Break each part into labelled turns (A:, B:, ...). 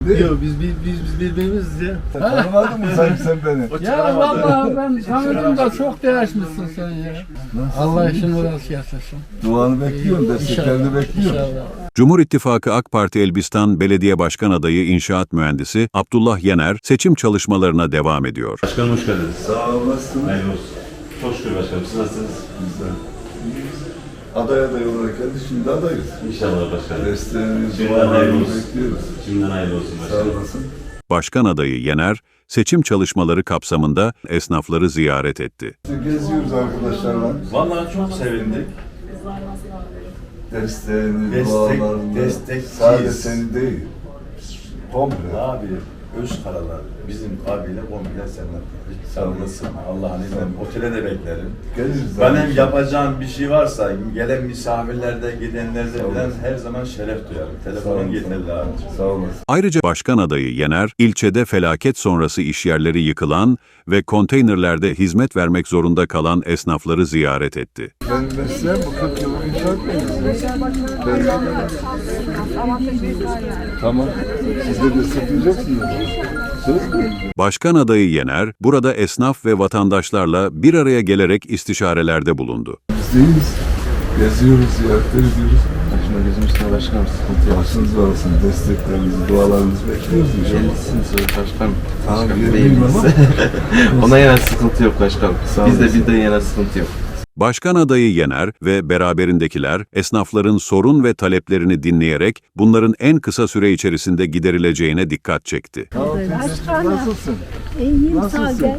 A: Yok biz birbirimiziz ya.
B: Tanımadın mı sen beni?
C: Ya vallahi ben tanıdım da çok değişmişsin sen ya. Allah işini rast getirsin.
B: Duanı bekliyorum, desteklerini bekliyorum.
C: İnşallah.
D: Cumhur İttifakı AK Parti Elbistan Belediye Başkan Adayı İnşaat Mühendisi Abdullah Yener seçim çalışmalarına devam ediyor.
E: Başkanım hoş geldiniz.
B: Sağ olasın.
E: Hayırlı olsun. Çok şükür başkanım. Siz nasılsınız?
B: Güzel. Aday olarak geldi, şimdi adayız.
E: İnşallah başkanım.
B: Desteğinizi,
E: Şimdiden hayırlı
B: dualarını
E: olsun.
B: bekliyoruz.
E: Şimdiden hayırlı olsun
B: Sağ
E: başkanım.
B: olasın.
D: Başkan adayı Yener seçim çalışmaları kapsamında esnafları ziyaret etti.
B: Geziyoruz arkadaşlarla.
E: Vallahi çok sevindik.
B: Desteğini, dualarını.
E: destekçiyiz.
B: Sadece seni değil. Komple.
E: Abi Özkaralar bizim abiyle komple senden. Hiç sarılmasın. Allah'ın izniyle otele de beklerim.
B: Geliriz.
E: Benim yapacağım bir şey varsa gelen misafirlerde, gidenlerde falan her zaman şeref duyarım. Telefonun yeterli abi.
B: Sağ olasın.
D: Ayrıca başkan adayı Yener, ilçede felaket sonrası işyerleri yıkılan ve konteynerlerde hizmet vermek zorunda kalan esnafları ziyaret etti.
B: Ben mesleğim bu 40 yıllık inşaat mühendisiyim. Tamam. Siz de destekleyeceksiniz. Söz mü?
D: Başkan adayı Yener, burada esnaf ve vatandaşlarla bir araya gelerek istişarelerde bulundu.
B: Bizdeyiz. Geziyoruz, ziyaretler ediyoruz.
F: Başına gözüm üstüne başkanım, sıkıntı yok.
B: Başınız var olsun, desteklerinizi, dualarınızı bekliyoruz inşallah.
F: Yelisiniz başkanım.
B: Tamam,
F: Başkanım
B: geleyim ama.
F: Ona yana sıkıntı yok başkanım.
B: Sağ
F: Bizde
B: olasın.
F: bizden yana sıkıntı yok.
D: Başkan adayı Yener ve beraberindekiler esnafların sorun ve taleplerini dinleyerek bunların en kısa süre içerisinde giderileceğine dikkat çekti.
B: Tamam, teyzeciğim, nasılsın?
G: İyiyim sağ ol.
B: Nasılsın?
G: Gel.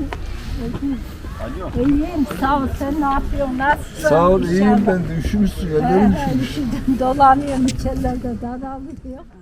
G: İyiyim sağ ol. Sen ne yapıyorsun? Nasılsın?
B: Sağ ol, iyiyim
G: İnşallah.
B: ben de. Üşümüşsün, ellerim üşümüş.
G: Dolanıyorum içerilerde daralıyor.